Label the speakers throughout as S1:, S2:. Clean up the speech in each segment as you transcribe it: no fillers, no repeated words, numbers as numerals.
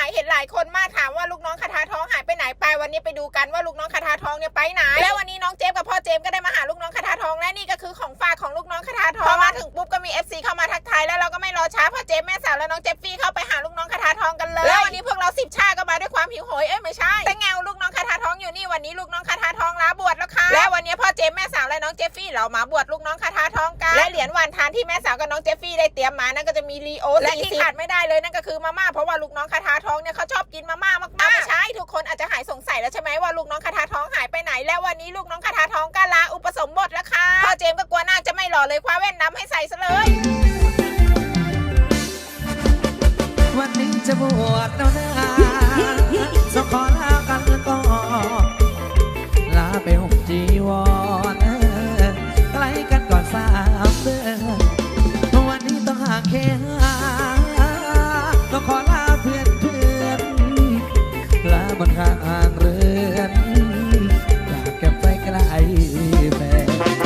S1: เห็นหลายคนมากถามว่าลูกน้องคาถาทองหายไปไหนไปวันนี้ไปดูกันว่าลูกน้องคาถาทองเนี่ยไปไหนแล้ววันนี้น้องเจฟกับพ่อเจมก็ได้มาหาลูกน้องคาถาทองและนี่ก็คือของฝากของลูกน้องคาถาทองพอมาถึงปุ๊บก็มี FC เข้ามาทักทายแล้วเราก็ไม่รอช้าพ่อเจมแม่สาวและน้องเจฟฟี่เข้าไปหาลูกน้องคาถาทองกันเลยแล้ววันนี้พวกเรา10 ชาก็มาด้วยความหิวโหยไม่ใช่แต่แงวลูกน้องคาถาทองอยู่นี่วันนี้ลูกน้องคาถาทองลาบวชแล้วค่ะและวันนี้พ่อเจมแม่สาวและน้องเจฟฟี่เรามาบวชลูกน้องคาถาทองกันและเหรียญวันทานที่แม่สาวกับน้องเจฟฟี่ได้เตรียมมานั่นก็จะมีลีโอและที่ขาดไม่ได้เลยนั่นก็คือมาม่าเพราะว่าลูกน้องคาถาทองเนี่ยเขาชอบกินมาม่ามากๆไม่ใช่ทุกคนอาจจะหายสงสัยแล้วใช่ไหมว่าลูกน้องคาถาทองหายไปไหนแล้ววันนี้ลูกน้องคาถาทองก็ลาอุปสมบทแล้วค่ะพ่อเจมก็กลัวนาคจะไม่หล่อเลยคว้าแว่นดำให้ใส่ซะเลย
S2: วันนี้จะบวชแล้วนะจะขอลากันก่อนลาไปห่มจีวรใกล้กันก่อน3 เดือนวันนี้ต้องห่างแค่ต้องขอลาเพื่อนลาบนข้างเรือนจากแก็บไปไกลแม่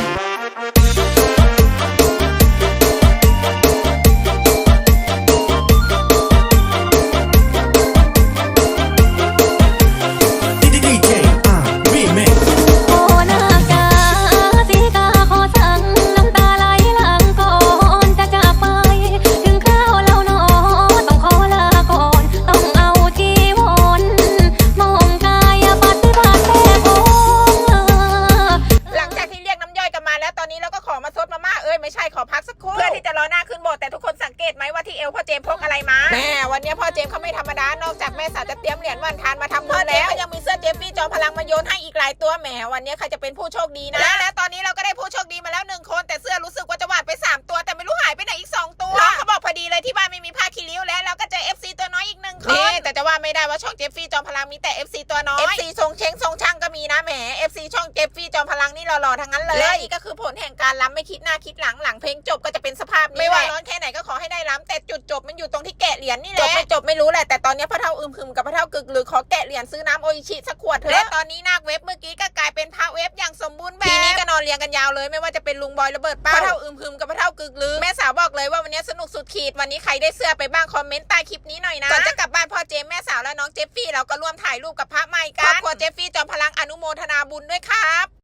S1: แม่วันนี้พ่อเจมเขาไม่ธรรมดานอกจากแม่สาวจะเตรียมเหรียญวันทานมาทำบุญแล้วก็ยังมีเสื้อเจฟฟี่จอมพลังมาโยนให้อีกหลายตัวแหมวันนี้ใครจะเป็นผู้โชคดีนะและตอนนี้เราก็ได้ผู้โชคดีมาแล้ว1 คนแต่เสื้อรู้สึกว่าจะวาดไป3 ตัวแต่ไม่รู้หายไปไหนอีก2 ตัวเขาบอกพอดีเลยที่บ้านไม่มีผ้าคีริ้วแล้วเราก็เจอ FC ตัวน้อยอีก1 คนแต่จะว่าไม่ได้ว่าช่องเจฟฟี่จอมพลังมีแต่ FC ตัวน้อย FC ทรงเช้งทรงช่างก็มีนะแหม FC ช่องเจฟฟี่จอมพลังนี่หล่อๆทั้งนั้นเลยและนี่ก็คือผลแห่งการล้ำไม่คิดหน้าคิดหลังเพลงจบก็จะเป็นสภาพนี้ไม่ว่าร้อนแค่ไหนก็ขอให้ได้ล้ำแต่จุดจบมันอยู่ตรงที่แกะเหรียญนี่แหละจบไม่รู้แหละแต่ตอนนี้พ่อเฒ่าอึมครึมกับพ่อเฒ่ากึกหรือขอแกะเหรียญซื้อน้ำโออิชิสักขวดเถอะและตอนนี้นาคเว็บเมื่อกี้ก็กลายเป็นพระเว็บอย่างสมบูรณ์แบบทีนี้ก็นอนเรียงกันยาวเลยไม่ว่าจะเป็นลุงบอยระเบิดเป้าพ่อเฒ่าอึมครึมกับพ่อเฒ่ากึกหรือแม่สาวบอกเลยว่าวันนี้สนุกสุดขีดวันนี้ใครได้เสื้อไปบ้างคอมเมนต์ใต้คลิปนี้หน่อยนะก่อนจะกลับบ้านพ่อเจมแม่สาวและน้องเจฟฟี่เราก็ร่วมถ่ายรูปกับพระใหม่กันครอบครัวเจฟฟี่จอมพลังอนุโมทนาบุญด้วยครับ